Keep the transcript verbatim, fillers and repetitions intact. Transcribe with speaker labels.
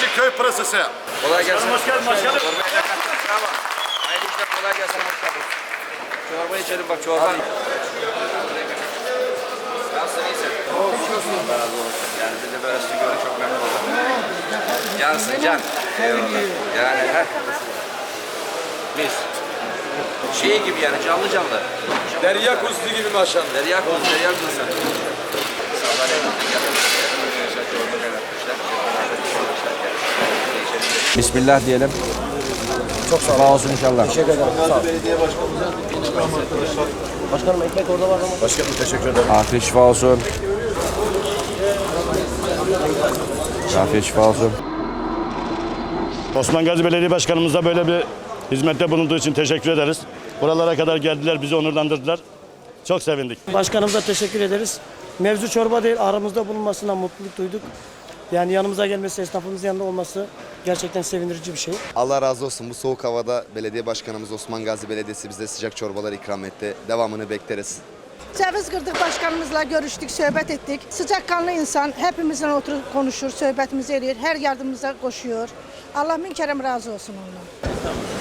Speaker 1: Demirci Köy Pırasası.
Speaker 2: Kolay gelsin.
Speaker 3: Hoş geldin başkanım.
Speaker 2: Çorbaya kattın. Bravo. Hayırlı işler, kolay gelsin. Hoş geldin. Çorba içelim bak, çorba. Nasılsın, iyisin? Allah razı olsun. Yani biz de böyle sizi gördük, çok memnun oldum. Cansın, can. Eyvallah. Yani heh. Biz. Şey gibi yani, canlı canlı.
Speaker 4: Derya kuzusu gibi maşallah.
Speaker 2: Derya kuzu, derya kuzu. İnsanlar evlilik yapmışlar. Çorba kaynatmışlar. Bismillah diyelim.
Speaker 4: Çok sağ olun.
Speaker 2: Sağ olsun inşallah.
Speaker 4: Teşekkür ederim. Sağ olun.
Speaker 5: Belediye başkanımıza.
Speaker 4: Başkanım ekmek orada var ama.
Speaker 5: Başkanım teşekkür ederim.
Speaker 2: Afiyet şifa olsun. Afiyet şifa olsun.
Speaker 3: Osman Gazi Belediye Başkanımıza böyle bir hizmette bulunduğu için teşekkür ederiz. Buralara kadar geldiler, bizi onurlandırdılar. Çok sevindik.
Speaker 6: Başkanımıza teşekkür ederiz. Mevzu çorba değil, aramızda bulunmasından mutluluk duyduk. Yani yanımıza gelmesi, esnafımızın yanında olması gerçekten sevindirici bir şey.
Speaker 7: Allah razı olsun. Bu soğuk havada belediye başkanımız Osman Gazi Belediyesi bize sıcak çorbalar ikram etti. Devamını bekleriz.
Speaker 8: Ceviz kırdık, başkanımızla görüştük, sohbet ettik. Sıcakkanlı insan, hepimizle oturup konuşur, sohbetimizi ediyor, her yardımımıza koşuyor. Allah min kerem razı olsun ondan.